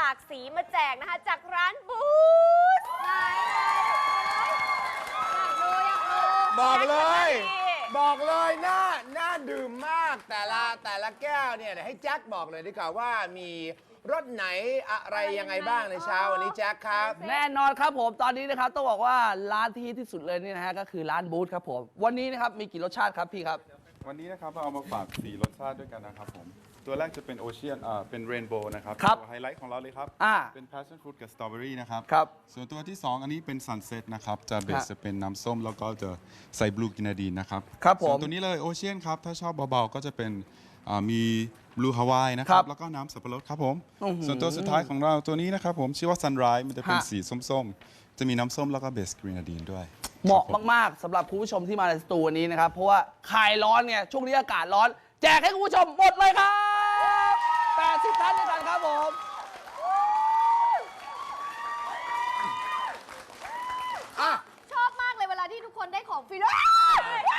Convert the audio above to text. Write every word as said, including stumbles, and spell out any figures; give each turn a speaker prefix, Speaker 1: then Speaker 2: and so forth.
Speaker 1: ากสีมาแจกนะคะจากร้านบูธไหนอยากดูอยากดู
Speaker 2: บอกเลย
Speaker 1: แจ็ค
Speaker 2: บอกเลยน่าน่าดื่มมากแต่ละแต่ละแก้วเนี่ยเดี๋ยวให้แจ็คบอกเลยดีกว่าว่ามีรสไหนอะไรยังไงบ้างในเช้าวันนี้แจ็คครับ
Speaker 3: แน่นอนครับผมตอนนี้นะครับต้องบอกว่าร้านที่ฮิตที่สุดเลยนี่นะฮะก็คือร้านบูธครับผมวันนี้นะครับมีกี่รสชาติครับพี่ครับ
Speaker 4: วันนี้นะครับเราเอามาฝากสี่รสชาติด้วยกันนะครับผมตัวแรกจะเป็นโอเชียนอ่าเป็นเรนโบว์นะครับ
Speaker 3: ครับ
Speaker 4: ตัวไฮไลท์ของเราเลยครับ
Speaker 3: อ่า
Speaker 4: เป็น passion fruit กับ strawberry นะครับ
Speaker 3: ครับ
Speaker 4: ส่วนตัวที่สองอันนี้เป็น sunset นะครับจะเบ
Speaker 3: ครั
Speaker 4: ส
Speaker 3: บ
Speaker 4: จะเป็นน้ำส้มแล้วก็จะใส่บลูกินาดีนนะครับ
Speaker 3: ครับผม
Speaker 4: ส่วนตัวนี้เลยโอเชียนครับถ้าชอบเบาๆก็จะเป็นอ่ามีบลูฮาวายนะค
Speaker 3: ครั
Speaker 4: รับบ แล้วก็น้ำสับปะรดครับผม
Speaker 3: อื้อหือ
Speaker 4: ส่วนตัวสุดท้ายของเราตัวนี้นะครับผมชื่อว่า sunrise มันจะเป็น
Speaker 3: ฮะ
Speaker 4: สีส้มๆจะมีน้ำส้มแล้วก็เบสกรีนาดีนด้วย
Speaker 3: เหมาะ
Speaker 4: ครับผ
Speaker 3: มากๆสำหรับคุณผู้ชมที่มาในสตูวันนี้นะครับ เพราะว่าคลายร้อนเนี่ยช่วงนี้อากาศร้อน แจกให้คุณผู้ชมหมดเลยครับแปดสิบท่านด้วยกันครับผม
Speaker 2: อ่ะ
Speaker 1: ชอบมากเลยเวลาที่ทุกคนได้ของฟรีแล้ว